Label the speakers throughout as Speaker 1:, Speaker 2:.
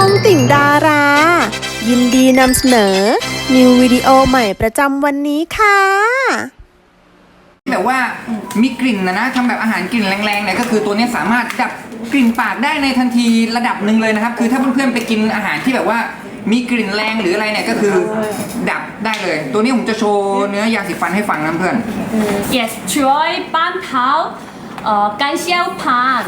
Speaker 1: องติ่งดารา ยินดีนำเสนอ นิววิดีโอใหม่ประจำวันนี้ค่ะ
Speaker 2: แบบว่ามีกลิ่นนะทำแบบอาหารกลิ่นแรงๆเนี่ยก็คือตัวนี้สามารถดับกลิ่นปากได้ในทันทีระดับหนึ่งเลยนะครับคือถ้าเพื่อนๆไปกินอาหารที่แบบว่ามีกลิ่นแรงหรืออะไรเนี่ยก็คือดับได้เลยตัวนี้ผมจะโชว์เนื้อยาสีฟันให้ฟังนะเพื่อน
Speaker 3: Yes, Joy Ban Tao, Gan Xiao Pan.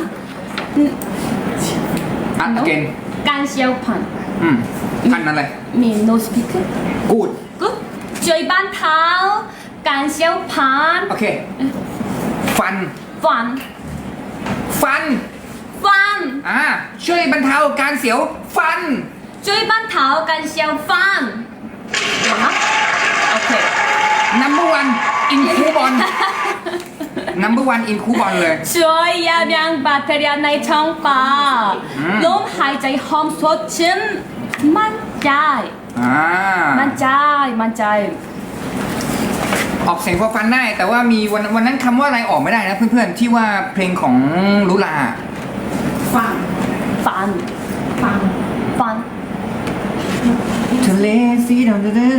Speaker 2: อ่ะเกน
Speaker 3: Gan Xiao Pan.
Speaker 2: พันอะไร
Speaker 3: Me no speak.
Speaker 2: กูด
Speaker 3: Good. Joy Ban Tao, Gan Xiao Pan.
Speaker 2: โอเคฟัน
Speaker 3: Fan.
Speaker 2: ฟัน
Speaker 3: Fan.
Speaker 2: ช่วยบรรเทาการเสียวฟัน
Speaker 3: Joy Ban Tao, Gan Xiao Fan. 有吗 ？Okay.
Speaker 2: number one in คูบอล number one in คูบอลเลย
Speaker 3: Joy ยายังแบคทีเรียในท้องปากลมหายใจหอมสดชื่นมั่นใจมั่นใจ
Speaker 2: ออกเสียงพอฟันได้แต่ว่ามีวันนั้นคำว่าอะไรออกไม่ได้นะเพื่อนๆที่ว่าเพลงของลุลา
Speaker 3: ฟัน
Speaker 2: ทะเลสีดำ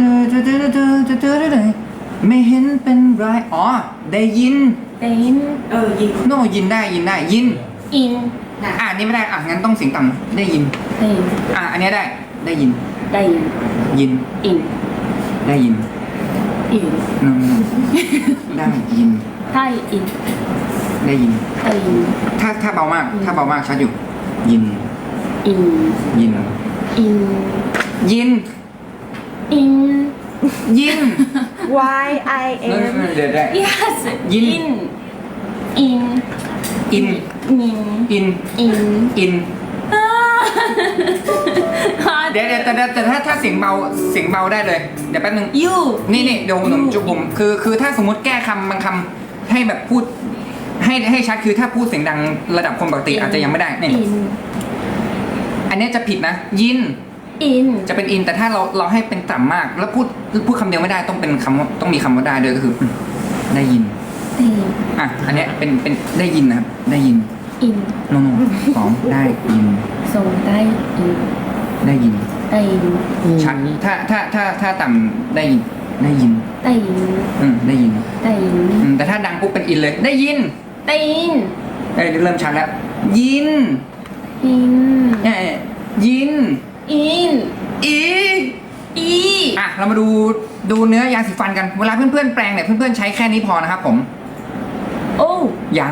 Speaker 2: ไม่เห็นเป็นไรอ๋อได้ยิน
Speaker 3: เป็น
Speaker 4: ยิง
Speaker 2: โน่ยินได้ยิน
Speaker 3: อิน
Speaker 2: อันนี้ไม่ได้งั้นต้องเสียงต่ำได้ยิน
Speaker 3: เป็น
Speaker 2: อันนี้ได้ยิน
Speaker 3: ได้ยิน
Speaker 2: ยิน
Speaker 3: อิน
Speaker 2: ได้ยิน
Speaker 3: อิน
Speaker 2: นนได้ยิน
Speaker 3: ได้อิน
Speaker 2: ได้ยิน
Speaker 3: ได้ยิน
Speaker 2: ถ้าเบามากชัดอยู่ยิน
Speaker 3: อิน
Speaker 2: ยิน
Speaker 3: อิน
Speaker 2: ยิน
Speaker 3: อิน
Speaker 2: ยิน
Speaker 4: Y I M
Speaker 2: เดี๋ยวได้
Speaker 3: yes
Speaker 2: ยิน
Speaker 3: อิน
Speaker 2: อิน
Speaker 3: อิน
Speaker 2: อิน
Speaker 3: อิน
Speaker 2: อินเดี๋ยวแต่ถ้าเสียงเบาได้เลยเดี๋ยวแป๊บนึง
Speaker 3: ยู
Speaker 2: นี่เดี๋ยวผมจุกผมคือถ้าสมมติแก้คำบางคำให้แบบพูดให้ชัดคือถ้าพูดเสียงดังระดับคนปกติอาจจะยังไม่ได้นี่
Speaker 3: อิน
Speaker 2: อันนี้จะผิดนะยิน
Speaker 3: อิน
Speaker 2: จะเป็นอินแต่ถ้าเราให้เป็นต่ำมากแล้วพูดคำเดียวไม่ได้ต้องเป็นคำต้องมีคำว่าได้ด้วยก็คือได้ยิน
Speaker 3: อิน
Speaker 2: อันเนี้ยเป็นได้ยินนะครับได้ยิน
Speaker 3: อิน
Speaker 2: โนสองได้ยิน
Speaker 3: ส่งได้อิน
Speaker 2: ได้ยิน
Speaker 3: ได้ยิน
Speaker 2: ชัดถ้าต่ำได้ยินได้ยิน
Speaker 3: ได้ยิน
Speaker 2: ได้ยิน
Speaker 3: ได้ยิน
Speaker 2: แต่ถ้าดังปุ๊บเป็นอินเลยได้ยิน
Speaker 3: ได้ยิน
Speaker 2: เริ่มชัดแล้วยิน
Speaker 3: อิน
Speaker 2: ยิน
Speaker 3: อิน
Speaker 2: อี
Speaker 3: อี
Speaker 2: เรามาดูเนื้อยาสีฟันกันเวลาเพื่อนๆแปรงเนี่ยเพื่อนๆใช้แค่นี้พอนะครับผม
Speaker 3: โอ้
Speaker 2: ยัง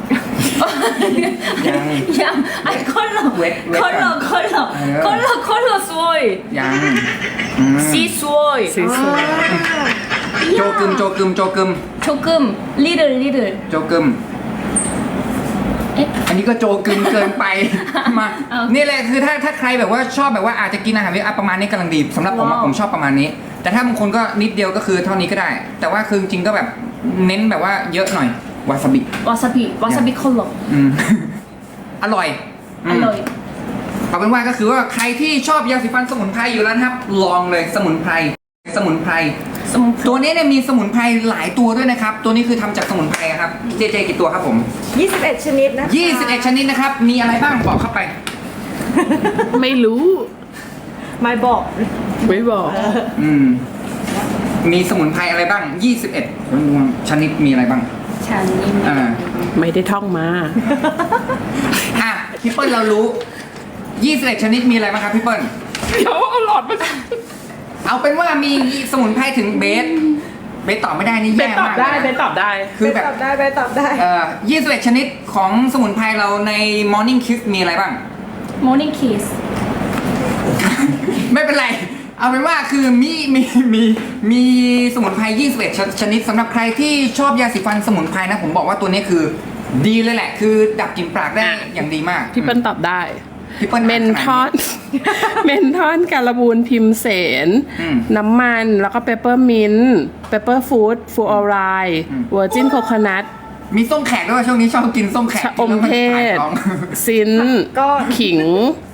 Speaker 3: ยังไอ้คนหล่อ
Speaker 2: เวท
Speaker 3: คนหล่อสวย
Speaker 2: ยัง
Speaker 3: สีสวย
Speaker 2: โจกึม
Speaker 3: 조금 little
Speaker 2: โจกึม
Speaker 3: เอ๊ะ
Speaker 2: อันนี้ก็โจกึมเกินไปมา
Speaker 3: เอา
Speaker 2: นี่แหละคือถ้าใครแบบว่าชอบแบบว่าอาจจะกินอาหารประมาณนี้กำลังดีสำหรับผม
Speaker 3: ว้าว
Speaker 2: ผมชอบประมาณนี้ แต่ถ้าบางคนก็นิดเดียวก็คือเท่านี้ก็ได้ แต่ว่าคือจริงๆก็แบบเน้นแบบว่าเยอะหน่อยวาซาบิ
Speaker 3: 와사비 컬러
Speaker 2: อร่อย
Speaker 3: อร่อย
Speaker 2: เอาเป็นว่าก็คือว่าใครที่ชอบยาสีฟันสมุนไพรอยู่แล้วนะครับ ลองเลยสมุนไพรตัวนี้เนี่ยมีสมุนไพรหลายตัวด้วยนะครับ ตัวนี้คือทำจากสมุนไพรครับเจกี่ตัวครับผม
Speaker 4: 21 ชนิดนะคะ
Speaker 2: 21 ชนิดนะครับ มีอะไรบ้างบอกเข้าไป
Speaker 5: ไม่รู้
Speaker 4: ไม่บอก
Speaker 5: ไม่บอก
Speaker 2: มีสมุนไพรอะไรบ้าง 21 ชนิดมีอะไรบ้าง
Speaker 3: 잔님
Speaker 5: ไม่ได้ท่องมา
Speaker 2: พี่เปิ้ลเรารู้ 21 ชนิดมีอะไรบ้างครับพี่เปิ้ล
Speaker 5: เดี๋ยวเอาหลอดมา
Speaker 2: เอาเป็นว่ามีสมุนไพรถึงเบสตอบไม่ได้นี่
Speaker 5: เบ
Speaker 2: แย่
Speaker 5: นตอบ
Speaker 2: มาก
Speaker 5: ได้
Speaker 2: เลยนะ
Speaker 5: เบนตอบได้
Speaker 2: คือแบบ
Speaker 4: ไปตอบได้
Speaker 2: 21 ชนิดของสมุนไพรเราใน Morning Kiss มีอะไรบ้าง
Speaker 3: 모닝 키스
Speaker 2: ไม่เป็นไร เอาเป็นว่าคือมีสมุนไพร 21 ชนิดสำหรับใครที่ชอบยาสีฟันสมุนไพรนะ ผมบอกว่าตัวนี้คือดีเลยแหละ คือดับกลิ่นปากได้อย่างดีมาก
Speaker 5: พี่เปิ้ลตอบได้
Speaker 2: พี่เปิ้ล
Speaker 5: เมนทอน เมนทอนการบูนพิมเสน น้ำมันแล้วก็เปเปอร์มินต์เปเปอร์ฟูดฟูออไรเวอร์จินโคคอนัท
Speaker 2: มีส้มแขกด้วยช่วงนี้ชอบกินส้มแขก
Speaker 5: ชะอมเทศ
Speaker 2: แล้วนถ่ายท้อง
Speaker 5: ซิน
Speaker 4: ก็
Speaker 5: ขิง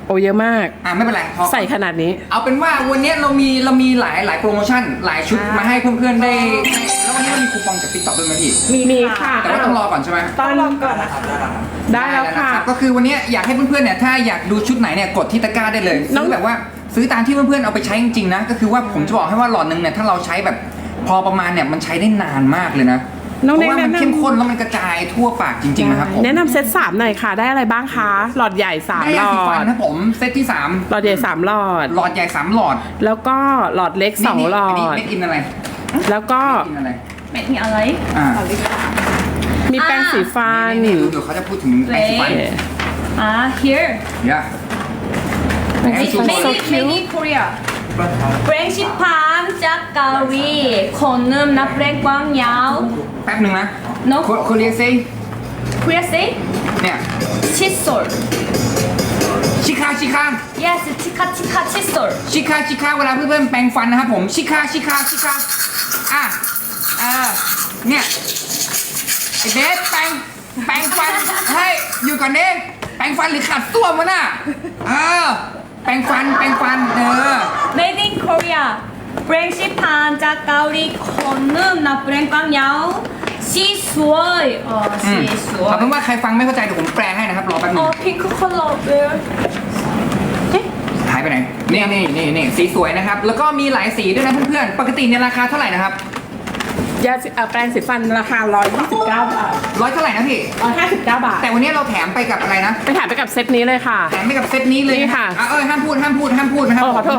Speaker 5: โอ้เยอะมาก
Speaker 2: ไม่เป็นไรพอ
Speaker 5: ใส่ขนาดนี้
Speaker 2: เอาเป็นว่าวันนี้เรามีหลายโปรโมชั่นหลายชุดมาให้เพื่อนๆได้แล้ววันนี้เรามีคูปองจาก TikTok ด้วยไหมพี่
Speaker 5: มีค่ะ
Speaker 2: แต่ว่าต้องรอก่อนใช่ไหม
Speaker 4: ต้องลองก่อนนะคะ
Speaker 5: ได้แล้วค่ะ
Speaker 2: นะครับก็คือวันนี้อยากให้เพื่อนๆเนี่ยถ้าอยากดูชุดไหนเนี่ยกดที่ตะกร้าได้เลย
Speaker 5: น้อง
Speaker 2: ซื้อแบบว่าซื้อตามที่เพื่อนๆเอาไปใช้จริงๆนะก็คือว่าผมจะบอกให้ว่าหลอดหนึ่งเนี่ยถ้าเราใช้แบบพอประมาณเนี่ยมันใช้ได้นานมากเลยนะ
Speaker 5: น้อง
Speaker 2: เพ
Speaker 5: เน็ก
Speaker 2: ราะว่ามัน
Speaker 5: แนะนำ
Speaker 2: เข้มข้นแล้วมันกระจายทั่วปากจริงๆนะครับผม
Speaker 5: แนะนำเซต3หน่อยค่ะ ได้อะไรบ้างคะ หลอดใหญ่ 3
Speaker 2: ได้
Speaker 5: หล
Speaker 2: ยา
Speaker 5: อ
Speaker 2: สีฟัน
Speaker 5: ด
Speaker 2: นะผมเซตที่3
Speaker 5: หลอดใหญ่ 3 หลอด
Speaker 2: หลอดใหญ่3หลอด
Speaker 5: แล้วก็หลอดเล็ก
Speaker 2: นี่
Speaker 5: 2 หลอ
Speaker 2: อันนี้
Speaker 5: ด
Speaker 2: เม็ดอินอะไร
Speaker 5: แล้วก็
Speaker 2: อินอะไร
Speaker 3: เป็นอะไร
Speaker 2: อ่า
Speaker 5: มีแป้งสีฟัน
Speaker 2: นี่เดี๋ยวเขาจะพูดถึงแปรงสีฟัน
Speaker 3: here
Speaker 2: เดี๋ยวให้ชูโชว์
Speaker 3: made in Korea แปรงสีฟันจากเกาหลีคนนึงนับแปรงกว้างยาว
Speaker 2: แป๊บหนึ่งนะ
Speaker 3: No
Speaker 2: คนเรียกซิ
Speaker 3: Korea say
Speaker 2: เนี่ย
Speaker 3: 칫솔
Speaker 2: ชิคา
Speaker 3: yes 치카 칫솔
Speaker 2: ชิคาเวลาเพื่อนๆแปรงฟันนะครับผมชิคาอ่ะเนี่ยไอเบสแปรงฟันเฮ้ยอยู่ก่อนเด้แปรงฟันหรือขัดส้วมวะน่ะแปรงฟัน
Speaker 3: made in Korea แปรงสีฟันจากเกาหลีคนนึงนับแปรงกว้างยาวสีสวยสีสว
Speaker 2: เอา
Speaker 3: ย
Speaker 2: เป็นว่าใครฟังไม่เข้าใจเดี๋ยวผมแปลให้นะครับรอแป๊บนึง
Speaker 3: pink color where
Speaker 2: หายไปไหนนี่สีสวยนะครับแล้วก็มีหลายสีด้วยนะเพื่อนๆปกติเนี่ยราคาเท่าไหร่นะครับ
Speaker 5: ยาแปรงสีฟันราคา 129 บาท
Speaker 2: ร้อยเท่าไหร่นะพี่
Speaker 5: 159 บาท
Speaker 2: แต่วันนี้เราแถมไปกับอะไรนะ
Speaker 5: ไปถ่ายไปกับเซตนี้เลยค่ะ
Speaker 2: แถมไปกับเซตนี้เลย
Speaker 5: นี่ค่ะ
Speaker 2: ห้ามพูดนะครับ
Speaker 5: โอ้ขอโทษ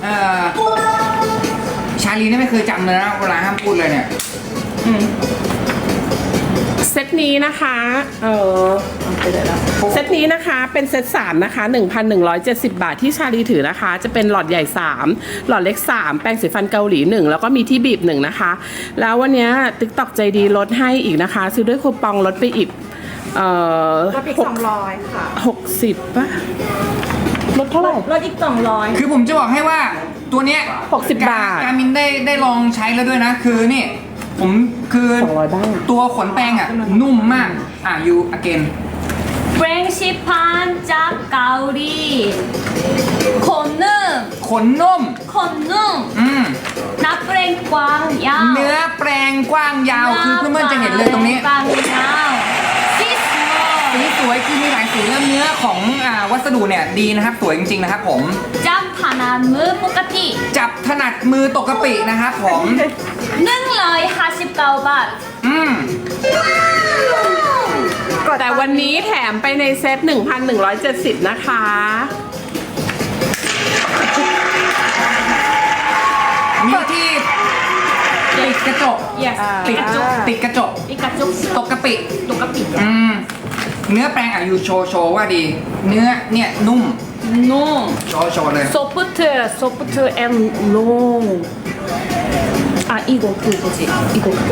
Speaker 2: ชาลีนี่ไม่เคยจำเลยนะเวลาห้ามพูดเลยเนี่ย
Speaker 5: เซตนี้นะคะเซตนี้นะคะเป็นเซต3นะคะ 1,170 บาทที่ชาลีถือนะคะ จะเป็นหลอดใหญ่ 3 หลอดเล็ก 3 แปรงสีฟันเกาหลี 1 แล้วก็มีที่บีบ 1 นะคะ แล้ววันนี้TikTokใจดีลดให้อีกนะคะ ซื้อด้วยคูปองลดไปอีก
Speaker 4: ลดอีก200ค่ะ
Speaker 5: 60ป่ะลดเท่าไหร่
Speaker 4: ลดอีก200
Speaker 2: คือผมจะบอกให้ว่าตัวเนี้ย
Speaker 5: 60 บาท
Speaker 2: การมินได้ลองใช้แล้วด้วยนะคือนี่ผมคือ
Speaker 5: 200บ้าง
Speaker 2: ตัวขนแปรงนุ่มมากyou again
Speaker 3: แปรงสีฟันจากเกาหลีคนนึง
Speaker 2: ขนนุ่ม
Speaker 3: นับแปรงกว้างยาว
Speaker 2: เนื้อแปรงกว้างยาวคือเพื่อนๆจะเห็นเลยตรงนี้
Speaker 3: กว้างยาวสีสวย
Speaker 2: สีสวยคือมีหลายสีแล้วเนื้อของวัสดุเนี่ยดีนะครับสวยจริงๆนะครับผม
Speaker 3: จำถนัดมือปกติ
Speaker 2: จับถนัดมือตกกะปินะครับผม
Speaker 3: 159 บาท
Speaker 5: แต่วันนี้แถมไปในเซต 1,170 นะคะ
Speaker 2: มีที่ติดกระจก
Speaker 3: yes
Speaker 2: ติดกระจก
Speaker 3: ปิกาจู
Speaker 2: ตกกะปิ
Speaker 3: ตกกะปิ
Speaker 2: เนื้อแปรงอยู่โชว์ว่าดี เนื้อเนี่ยนุ่ม
Speaker 3: no
Speaker 2: โชว์เลย
Speaker 3: soft and long 이거 그거지 이거 그거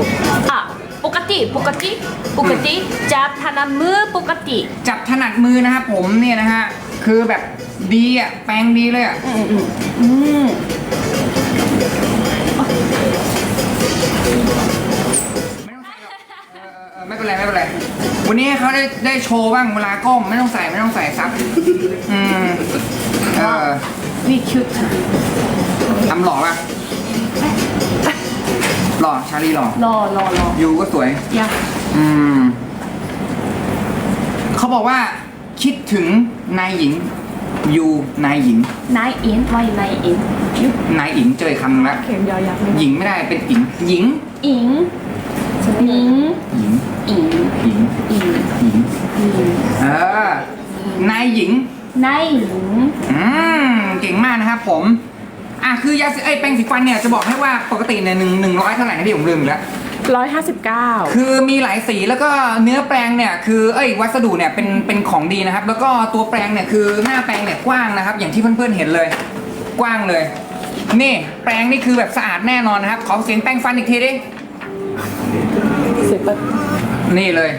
Speaker 3: ปกติจับถนัดมือปกติ
Speaker 2: จับถนัดมือนะครับผมเนี่ยนะฮะคือแบบดีแปรงดีเลยไม่เป็นไรวันนี้เขาได้โชว์บ้างเวลาก้มไม่ต้องใส่ซับ
Speaker 3: นี่คิวต์
Speaker 2: ทำหล่อป่ะหล่อชาลีหล่อ
Speaker 3: รอ
Speaker 2: ยูก็สวย
Speaker 3: อย่า
Speaker 2: เขาบอกว่าคิดถึงนายหญิงยูนายหญิง
Speaker 3: นายอินไว้นายอิน
Speaker 2: นายหญิงเจอคำละ
Speaker 4: เข็มยอยักษ์
Speaker 2: หญิงไม่ได้เป็นหญิงหญิง
Speaker 3: อิงอิง
Speaker 2: หญิง
Speaker 3: อิง
Speaker 2: หญิง
Speaker 3: อิง
Speaker 2: หญิงนายหญิง
Speaker 3: นายหญิง
Speaker 2: เก่งมากนะครับผมคือยาสีแปรงสีฟันเนี่ยจะบอกให้ว่าปกติเนี่ย100เท่าไหร่นะพี่ผมลืมอีกแล้ว
Speaker 5: 159
Speaker 2: คือมีหลายสีแล้วก็เนื้อแปรงเนี่ยคือวัสดุเนี่ยเป็นของดีนะครับ แล้วก็ตัวแปรงเนี่ยคือหน้าแปรงเนี่ยกว้างนะครับ อย่างที่เพื่อนๆเห็นเลย กว้างเลยนี่แปรงนี่คือแบบสะอาดแน่นอนนะครับขอเสียงแปรงฟันอีกทีดินี่เลย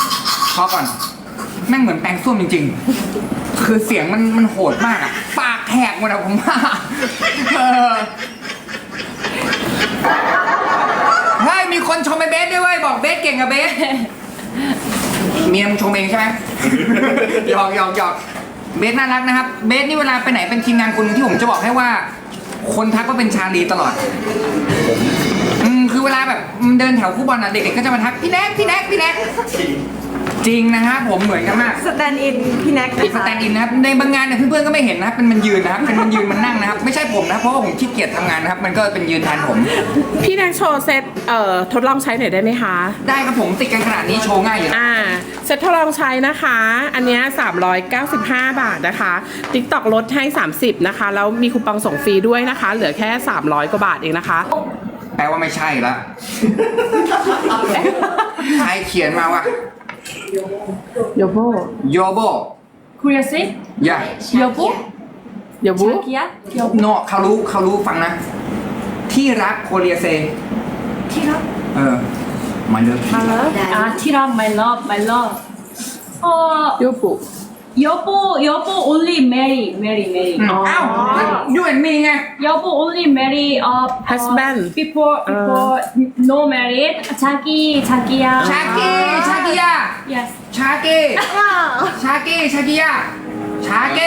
Speaker 2: พอก่อนแม่งเหมือนแปรงส้วมจริงๆคือเสียงมันโหดมากปากแแหกหมดอะผมว่าเฮ้ยมีคนชมไอ้เบสด้วยเว้ยบอกเบสเก่งอะเบสเมียมงชมเองใช่ไหม หยอกเบสน่ารักนะครับเบสนี่เวลาไปไหนเป็นทีมงานคนหนึ่งที่ผมจะบอกให้ว่า คนทักว่าเป็นชาลีตลอดคือเวลาแบบเดินแถวคู่บอลอ่ะเด็กๆก็จะมาทักพี่แน็กจริงนะฮะผมเหมือนกันมาก
Speaker 4: สแตนด์อินพี่แน็ก
Speaker 2: สแตนด์อินนะครับในบางงานเนี่ยเพื่อนๆก็ไม่เห็นนะครับเป็นมันยืนนะครับเป็นมันยืนมันนั่งนะครับไม่ใช่ผมนะเพราะว่าผมขี้เกียจทำงานนะครับมันก็เป็นยืนแทนผม
Speaker 5: พี่แนกโชว์เซตทดลองใช้หน่อยได้ไหมคะ
Speaker 2: ได้ครับผมติดกันขนาดนี้โชว์ง่ายอยู่นะ
Speaker 5: เซตทดลองใช้นะคะ อันเนี้ย395 บาทนะคะ TikTok ลดให้ 30 นะคะ แล้วมีคูปองส่งฟรีด้วยนะคะ เหลือแค่ 300 กว่าบาทเองนะคะ
Speaker 2: แปลว่าไม่ใช่ละใครเขียนมาวะ
Speaker 5: โยโบ
Speaker 2: โยโบ
Speaker 3: Korea say
Speaker 2: อย่า
Speaker 3: 여보
Speaker 5: โยบุ
Speaker 3: 자기야 여보
Speaker 2: โนเขารู้ฟังนะ ที่รักโคเรียเซ
Speaker 3: 티라
Speaker 2: มาเลิฟ
Speaker 3: 아 티라 my love
Speaker 5: โยบุ
Speaker 3: 여보 only marry
Speaker 2: อ้าวยูเอ็นมีไง
Speaker 3: 여보 only marry
Speaker 5: Husband.
Speaker 3: before no married 자기야
Speaker 2: ชากิยา
Speaker 3: yes
Speaker 2: ชากิยาชากิ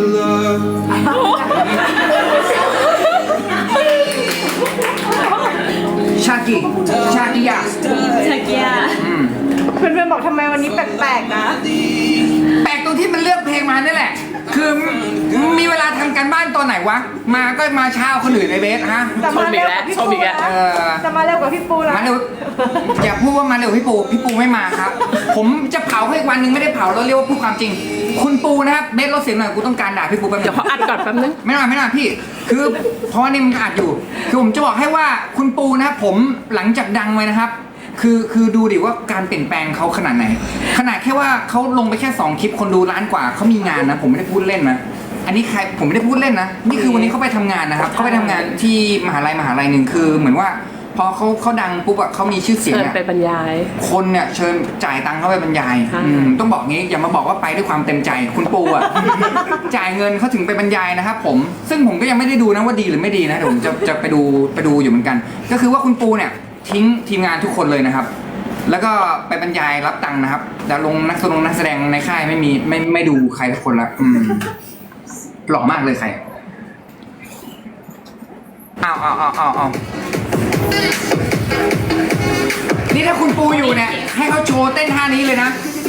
Speaker 2: ชากิยา
Speaker 3: 자기야
Speaker 4: เพื่อนๆบอกทำไมวันนี้แปลกๆนะ
Speaker 2: แปลกตรงที่มันเลือกเพลงมานี่แหละ คือมีเวลาทำการบ้านตอนไหนวะ มาก็มาเช้าคนอื่นในเบสฮะ
Speaker 4: จะมาเร็วกว่าพี่ปูนะจะมาเร็วกว่าพี่ปูนะ
Speaker 2: มาเร็ว อย่าพูดว่ามาเร็วพี่ปูไม่มาครับ ผมจะเผาให้วันหนึ่งไม่ได้เผาแล้วเรียกว่าพูดความจริง คุณปูนะครับเบสลดเสียงหน่อยกูต้องการด่าพี่ปูแป๊บนึ
Speaker 5: เดี๋ยว
Speaker 2: ง
Speaker 5: เขาอัดก่อนแป๊บนึง
Speaker 2: ไม่นานพี่ คือเพราะว่านี่มันอัดอยู่ คือผมจะบอกให้ว่าคุณปูนะครับผมหลังจากดังไว้นะครับ คือดูดิว่าการเปลี่ยนแปลงเขาขนาดไหน ขนาดแค่ว่าเขาลงไปแค่2คลิปคนดูล้านกว่าเขามีงานนะผมไม่ได้พูดเล่นนะ อันนี้ผมไม่ได้พูดเล่นนะ นี่คือวันนี้เขาไปทำงานนะครับเขาไปทำงานที่มหาลัยหนึ่งคือเหมือนว่าพอเขาดังปุ๊บอะเขามีชื่อเสียง
Speaker 5: เชิญ
Speaker 2: อะ
Speaker 5: ไปบรรยาย
Speaker 2: คนเนี่ยเชิญจ่ายตังค์เข้าไปบรรยาย
Speaker 5: ค่ะ
Speaker 2: ต้องบอกงี้อย่ามาบอกว่าไปด้วยความเต็มใจคุณปูอ่ะ จ่ายเงินเขาถึงไปบรรยายนะครับผมซึ่งผมก็ยังไม่ได้ดูนะว่าดีหรือไม่ดีนะเดี๋ยวผมจะไปดูอยู่เหมือนกัน ก็คือว่าคุณปูเนี่ยทิ้งทีมงานทุกคนเลยนะครับ แล้วก็ไปบรรยายรับตังค์นะครับแต่ลงนักแสดงในค่ายไม่ดูใครทุกคนละหล่อมากเลยใครเอานี่ถ้าคุณปูอยู่เนี่ยให้เขาโชว์เต้นท่านี้เลยนะ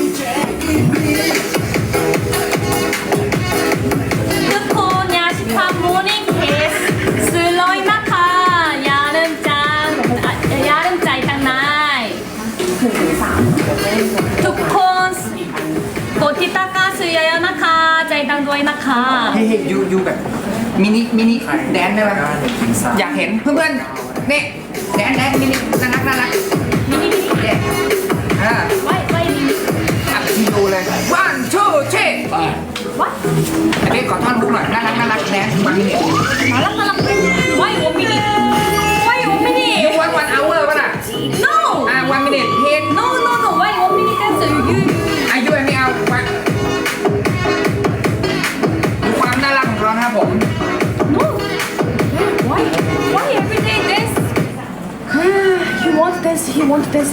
Speaker 3: ทุกคน야식한 모닝 키스 슬로이 마카 야름짠 야름짜이 땅나이 ทุกคนกดติดตามกันเยอะๆนะคะใจดังด้วยนะคะ
Speaker 2: เฮ้ยยูแบบมินิแดนได้ไหมอยากเห็นเพื่อนๆนี่แดนมินิน่ารัก
Speaker 3: มินิ
Speaker 2: เด็ก
Speaker 3: ไว้มินิ
Speaker 2: อัพทีดูเลย one two three
Speaker 3: วัด
Speaker 2: อันนี้ขอท่อนลุกหน่อยน่ารักแดนมามินิ
Speaker 3: มาลักไว้1 minute ไว้1 minute
Speaker 2: ยูวันเอาเวอร์ป่ะน่ะ
Speaker 3: no
Speaker 2: 1 minute เพลง
Speaker 3: noไว้1 minute dance you
Speaker 2: อายุอันนี้เอามาดูความน่ารักของเรานะครับผม
Speaker 3: no why everyday dance he want dance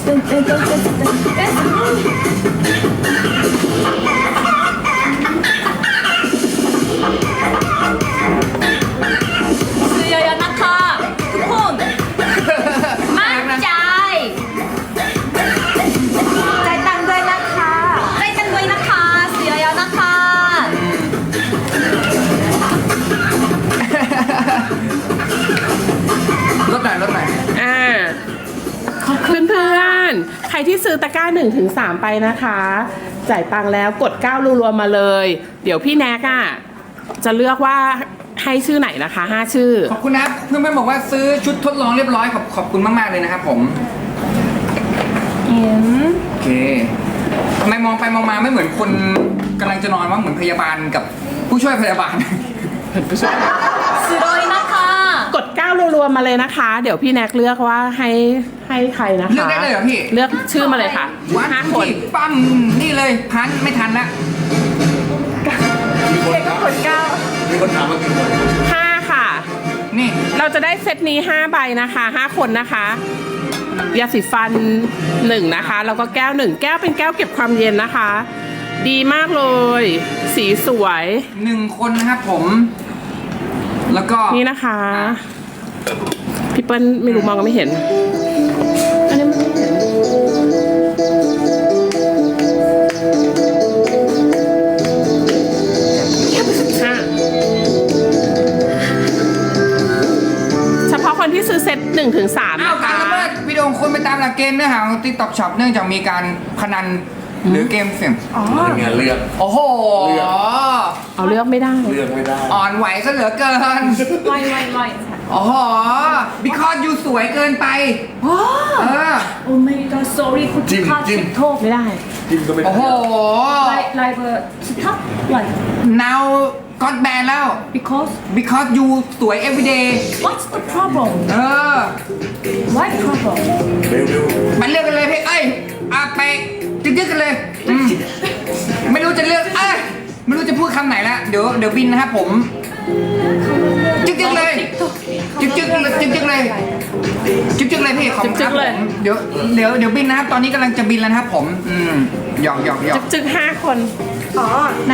Speaker 3: ซื้อเยอะๆนะคะทุกคนมั่นใจ
Speaker 4: ใจตังด้วยนะคะ
Speaker 3: ใจกันด้วยนะคะซื้อเยอะๆนะคะ
Speaker 2: ลดหน่อย
Speaker 5: เพื่อนๆ ใครที่ซื้อตะกร้า1 ถึง 3ไปนะคะ จ่ายตังค์แล้วกด9รัวๆมาเลย เดี๋ยวพี่แน็กจะเลือกว่าให้ชื่อไหนนะคะ5ชื่อ
Speaker 2: ขอบคุณนะครับเพื่อนๆบอกว่าซื้อชุดทดลองเรียบร้อยขอบคุณมากๆเลยนะครับผมโอเคทำไมมองไปมองมาไม่เหมือนคนกำลังจะนอนว่าเหมือนพยาบาลกับผู้ช่วยพยาบาล
Speaker 3: ซื้อเลยนะคะ
Speaker 5: กด9รัวๆมาเลยนะคะ เดี๋ยวพี่แน็กเลือกว่าให้ใครนะคะ
Speaker 2: เลือกได้เลยเหรอพี่
Speaker 5: เลือกชื่อมาเลยค่ะ
Speaker 2: วัน
Speaker 5: 5 คน
Speaker 2: ที่ปั้มนี่เลยพันไม่ทันละ
Speaker 4: เด็กก็คนเก้า
Speaker 6: มีคนถามมากี่คน
Speaker 5: 5 ค่ะ
Speaker 2: นี่
Speaker 5: เราจะได้เซตนี้ 5 ใบนะคะ 5 คนนะคะ ยาสีฟัน 1 นะคะ แล้วก็แก้ว 1 แก้วเป็นแก้วเก็บความเย็นนะคะ ดีมากเลย สีสวย
Speaker 2: 1 คนนะครับผม แล้วก็
Speaker 5: นี่นะคะ พี่เปิ้ลไม่รู้มองก็ไม่เห็น อันนี้มันไม่เห็นค่ะเฉพาะคนที่ซื้อเซต1 ถึง 3
Speaker 2: อ้าว
Speaker 5: นะ
Speaker 2: การ
Speaker 5: คะ
Speaker 2: ละเมิดวิดีโอคนไปตามหลักเกณฑ์เนื้อหาของ TikTok Shop เนื่องจากมีการพนันหรือเกมเสี่ยง
Speaker 6: งานเลือก
Speaker 2: โอ้โห
Speaker 5: เอาเลือกไม่ได้
Speaker 6: เลือกไม่ได้
Speaker 2: อ่อนไหวซะเหลือเกิน
Speaker 3: ไว
Speaker 2: โอ้โห because you สวยเกินไปเออ
Speaker 3: โอ้ my god sorry คุณ
Speaker 6: จิ้ม
Speaker 3: ค่า
Speaker 6: จิ้ม
Speaker 3: ทิกโทก
Speaker 5: ไม่ได้
Speaker 6: จิ้มก็ไม่ได้
Speaker 2: โอ้โห
Speaker 3: ไลฟ์สต็อปไลฟ์
Speaker 2: now got ban แล้ว because you สวย everyday
Speaker 3: what's the problem
Speaker 2: เออ
Speaker 3: why problem
Speaker 6: เร็ว
Speaker 2: มันเลือกกันเลยพี่เอ้ยไปจึ๊กๆกันเลยไม่รู้จะเลือกไม่รู้จะพูดคำไหนละเดี๋ยวบินนะครับผมจึ๊กๆเลยจึ๊กๆเลยจึ๊กๆเลยจึ๊กๆเลยพี่ขอบคุณครับ
Speaker 5: จึ๊กๆเลย
Speaker 2: ผมเดี๋ยวบินนะครับตอนนี้กำลังจะบินแล้วนะครับผมหยอก
Speaker 5: จึก5 คน
Speaker 4: อ๋อ
Speaker 3: ใน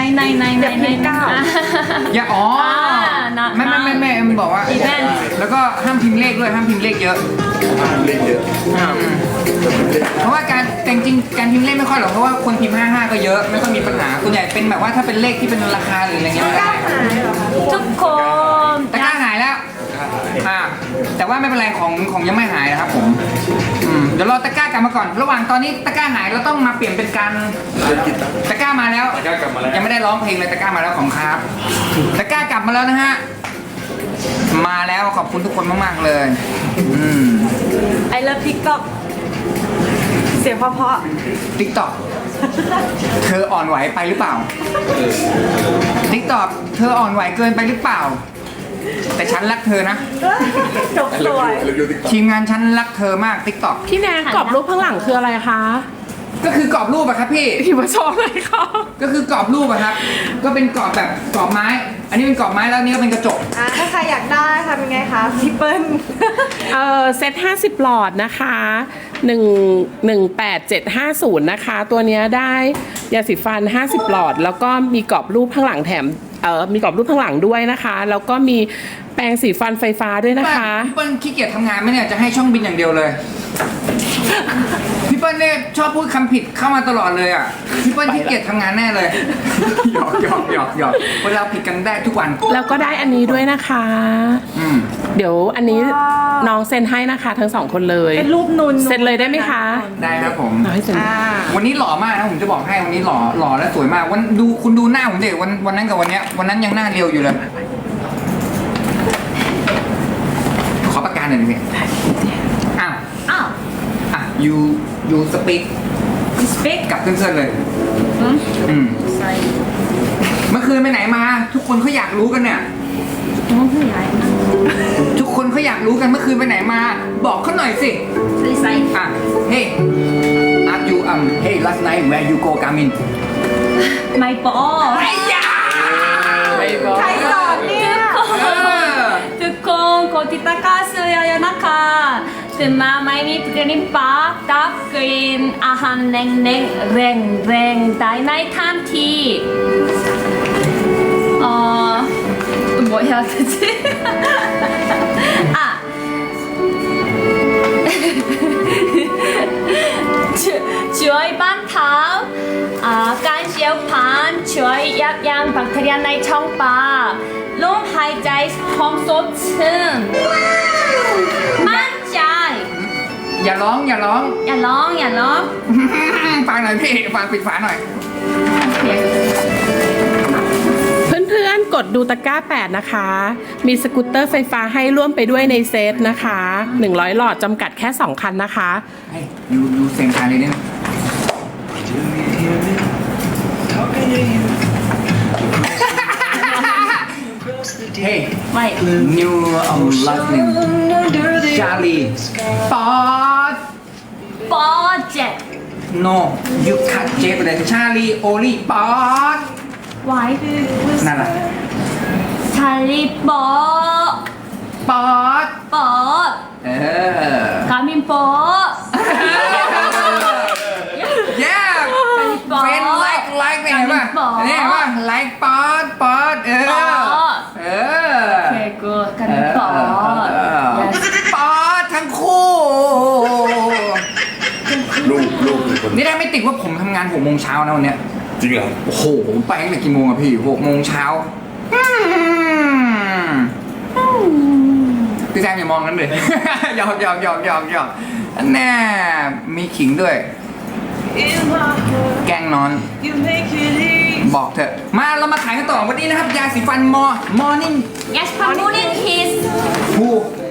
Speaker 2: อย่าอ๋อ
Speaker 3: น่ะ
Speaker 2: ไม่มันบอกว่า
Speaker 3: อีเวนต์
Speaker 2: แล้วก็ห้ามพิมพ์เลขด้วยห้ามพิมพ์เลขเยอะ
Speaker 6: ๆเล่นเยอะ
Speaker 2: เพราะว่าแต่จริงๆการพิมพ์เลขไม่ค่อยหรอกเพราะว่าคนพิมพ์55ก็เยอะไม่ค่อยมีปัญหาส่วนใหญ่เป็นแบบว่าถ้าเป็นเลขที่เป็นราคาหรืออะไรเงี้ยไม่ได้
Speaker 3: ทุกคน
Speaker 2: ตะกร้าหายแล้วแต่ว่าไม่เป็นไรของยังไม่หายนะครับผมเดี๋ยวรอตะกร้ากลับมาก่อน ระหว่างตอนนี้ตะกร้าหายเราต้องมาเปลี่ยนเป็นการ
Speaker 6: เล่นกินนะ
Speaker 2: ตะกร้ามาแล้ว
Speaker 6: ตะกร้ากลับมาแล้ว
Speaker 2: ยังไม่ได้ร้องเพลงเลยตะกร้ามาแล้วของครับตะกร้ากลับมาแล้วนะฮะมาแล้วขอบคุณทุกคนมากๆเลย
Speaker 4: ไอเลิฟทิกต็อกเสียงเพราะ
Speaker 2: ติ๊กต็อกเธออ่อนไหวไปหรือเปล่าติ๊กต็อกเธออ่อนไหวเกินไปหรือเปล่า แต่ฉันรักเธอนะ
Speaker 4: ๆจบสวย
Speaker 6: เร็วๆติ๊กต๊อก
Speaker 2: ทีมงานฉันรักเธอมากติ๊กต็อก
Speaker 5: พี่แนนกรอบรูปข้างหลังคืออะไรคะ
Speaker 2: ก็คือกรอบรูปอะครับพี่
Speaker 5: พี่มาโชว์เลยค่ะ
Speaker 2: ก็คือกรอบรูปอะครับ ก็เป็นกรอบแบบกรอบไม้ อันนี้เป็นกรอบไม้แล้วอันนี้ก็เป็นกระจก
Speaker 4: ถ้าใครอยากได้ทำยังไงคะพี่เปิ้ล
Speaker 5: เซต50 หลอดนะคะ18750 นะคะ ตัวเนี้ยได้ยาสีฟัน 50 หลอด แล้วก็มีกรอบรูปข้างหลังแถมมีกรอบรูปข้างหลังด้วยนะคะ แล้วก็มีแปรงสีฟันไฟฟ้าด้วยนะคะ
Speaker 2: พี่เปิ้ลขี้เกียจทำงานไหมเนี่ยจะให้ช่องบินอย่างเดียวเลย พี่เปิ้ลเนี่ยชอบพูดคำผิดเข้ามาตลอดเลยอ่ะพี่เปิ้ลขี้เกียจทำงานแน่เลยหยอกเวลาผิดกันได้ทุกวัน
Speaker 5: แล้วก็ได้อันนี้ด้วยนะคะ เดี๋ยวอันนี้น้องเซ็นให้นะคะ ทั้ง 2 คนเลย
Speaker 4: เป็นรูปนุน
Speaker 5: เซ็นเลยได้ไหมคะ
Speaker 2: ได้ครับผม
Speaker 5: เอาให้เซ็น
Speaker 2: วันนี้หล่อมากนะผมจะบอกให้วันนี้หล่อและสวยมากคุณดูหน้าผมเด็กวันนั้นกับวันเนี้ยวันนั้นยังหน้าเรียวอยู่เลยขอประกาศหน่อยดิพี่อ้าวyou speak
Speaker 3: speak
Speaker 2: กับเพื่อนๆเลยเมื่อคืนไปไหนมา ทุกคนเขาอยากรู้กันเนี่ย ทุกคนเขาอยากรู้กันเมื่อคืนไปไหนมา บอกเขาหน่อยสิhey hey last night where you go Garmin
Speaker 3: my boss
Speaker 2: ไอ้ยา
Speaker 5: ไม่บอก
Speaker 4: ใครสอนเนี่ย
Speaker 3: ทุกคนกดติดตามกันเยอะๆนะคะตื่นมาไม่มีกลิ่นปากดับกลิ่นอาหารแรงๆแรงได้ในทันที뭐 해야 되지? chuối ban thảo can siêu pan chuốiยับยั้งแบคทีเรียในช่องปากลมหายใจหอมสดชื่นมั่นใจ
Speaker 2: อย่าร้อง
Speaker 3: อย่าร้อง
Speaker 2: ฟังหน่อยพี่ฟังปิดฝาหน่อย
Speaker 5: เพื่อนๆ กดดูตะกร้า 8 นะคะ มีสกูตเตอร์ไฟฟ้าให้ร่วมไปด้วยในเซตนะคะ 100 หลอดจำกัดแค่ 2 คันนะคะ
Speaker 2: ให้ยูเสียงคาเลยเนี่ยเฮ้ย
Speaker 3: ไม่
Speaker 2: new last name Charlie
Speaker 3: ปอเจ็ด
Speaker 2: no you cut J ไปเลย Charlie Oli ป๊อด
Speaker 3: ไว้
Speaker 2: นั่นแหละ
Speaker 3: ช 찰리 뻐
Speaker 2: ป๊อด
Speaker 3: 뻐
Speaker 2: เออ
Speaker 3: 가민 뻐
Speaker 2: แย่เป็นไลค์เนี่ยเห็นป่ะนี่เห็นป่ะไลค์ป๊อดเออ เออ
Speaker 3: 오케이 굿 가민 뻐 yes
Speaker 2: ป๊อดทั้งคู่
Speaker 6: ลูกเป็นคน
Speaker 2: นี่ได้ไม่ติดว่าผมทำงาน6 โมงเช้านะวันเนี้ย
Speaker 6: จริงเหรอ
Speaker 2: โอ้โหผมไปตั้งแต่กี่โมงอะพี่6 โมงเช้าพี่แซมอย่ามองกันเลย หยอกอันแน่มีขิงด้วย แกล้งนอน บอกเถอะ มาเรามาขายกันต่อวันนี้นะครับ ยาสีฟันมอนิ่ง
Speaker 3: yes morning kiss
Speaker 2: ผู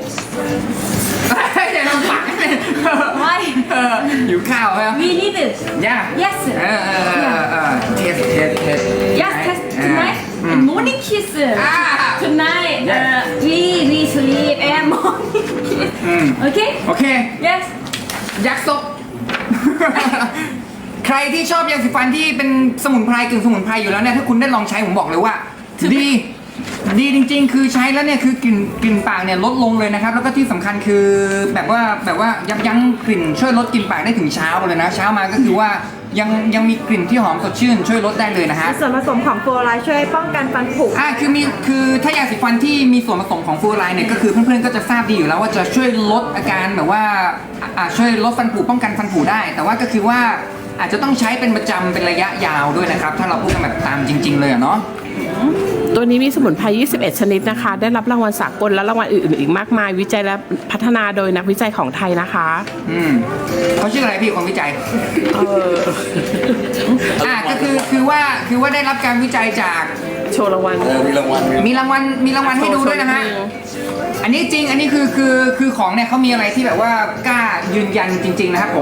Speaker 2: อย่าลำบากเลย
Speaker 3: why
Speaker 2: หิวข้าวไหม
Speaker 3: we need it
Speaker 2: ย่า
Speaker 3: yes
Speaker 2: เทส
Speaker 3: yes test tonight and morning kiss tonight
Speaker 2: Yes.
Speaker 3: we sleep and morning kiss okay
Speaker 2: โอเค
Speaker 3: yes
Speaker 2: ยักษ์ซบ ใครที่ชอบยาสีฟันที่เป็นสมุนไพรกึ่งสมุนไพรอยู่แล้วเนี่ยถ้าคุณได้ลองใช้ผมบอกเลยว่า ดีจริงๆ คือใช้แล้วเนี่ยคือกลิ่นปากเนี่ยลดลงเลยนะครับ แล้วก็ที่สำคัญคือแบบว่ายั้งกลิ่นช่วยลดกลิ่นปากได้ถึงเช้าเลยนะ เช้ามาก็คือว่ายังมีกลิ่นที่หอมสดชื่นช่วยลดได้เลยนะฮะ
Speaker 4: ส่วนผสมของฟลูออไรด์ช่วยป้องกันฟันผุ
Speaker 2: คือถ้ายาสีฟันที่มีส่วนผสมของฟลูออไรด์เนี่ยก็คือเพื่อนๆก็จะทราบดีอยู่แล้วว่าจะช่วยลดอาการแบบว่าช่วยลดฟันผุป้องกันฟันผุได้ แต่ว่าก็คือว่าอาจจะต้องใช้เป็นประจำเป็นระยะยาวด้วยนะครับถ้าเราพูดกันแบบตามจริง ๆเลยอะเนาะ
Speaker 5: ตัวนี้มีสมุนไพร 21 ชนิดนะคะ ได้รับรางวัลสากลและรางวัลอื่นๆอีกมากมาย วิจัยและพัฒนาโดยนักวิจัยของไทยนะคะ
Speaker 2: เขาชื่ออะไรพี่คนวิจัยก็คือว่าได้รับการวิจัยจาก
Speaker 5: โชว์รางวัล
Speaker 6: มีรางวัล
Speaker 2: มีรางวัลให้ดูด้วยนะฮะอันนี้จริงอันนี้คือของเนี่ยเขามีอะไรที่แบบว่ากล้ายืนยันจริง ๆ นะครับผม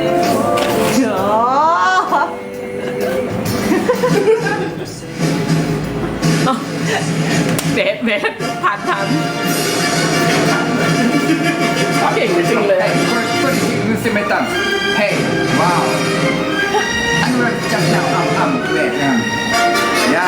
Speaker 5: เบสผ่านทันเก่งจริงเลย
Speaker 2: คนซิเมตัมเฮ้ยว้าวอันนี้จับแล้วเวทย่า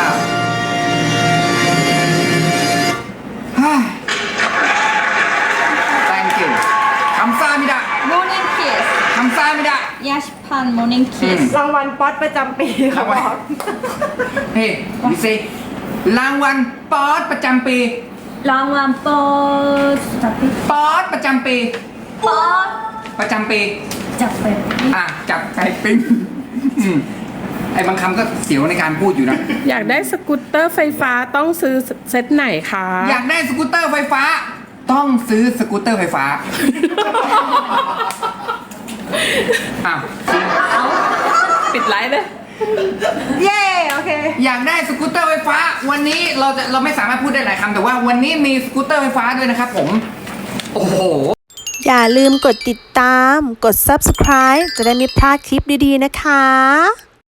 Speaker 2: thank you 감사합니다
Speaker 3: morning kiss
Speaker 2: 감사합니다
Speaker 3: 야시판 morning kiss
Speaker 4: รางวัลป๊อตประจำปีเขาบอก
Speaker 2: เฮ้ยดิซิรางวัลป๊อดประจำปี
Speaker 3: 랑완 뻐 잡히
Speaker 2: ป๊อดประจำปี
Speaker 3: 뻐
Speaker 2: ประจำปี
Speaker 3: 잡히
Speaker 2: จับไก่ปิ้งไอ้บางคำก็เสียวในการพูดอยู่นะ
Speaker 5: อยากได้สกูตเตอร์ไฟฟ้าต้องซื้อเซตไหนคะ
Speaker 2: อยากได้สกูตเตอร์ไฟฟ้า ต้องซื้อสกูตเตอร์ไฟฟ้าอ้าว
Speaker 5: ปิดไลฟ์เลย
Speaker 4: เย้โอเค
Speaker 2: อยากได้สกูตเตอร์ไฟฟ้า วันนี้เราไม่สามารถพูดได้หลายคำแต่ว่าวันนี้มีสกูตเตอร์ไฟฟ้าด้วยนะครับผม โอ้โห
Speaker 1: อย่าลืมกดติดตาม กด subscribe จะได้ไม่พลาดคลิปดีๆนะคะ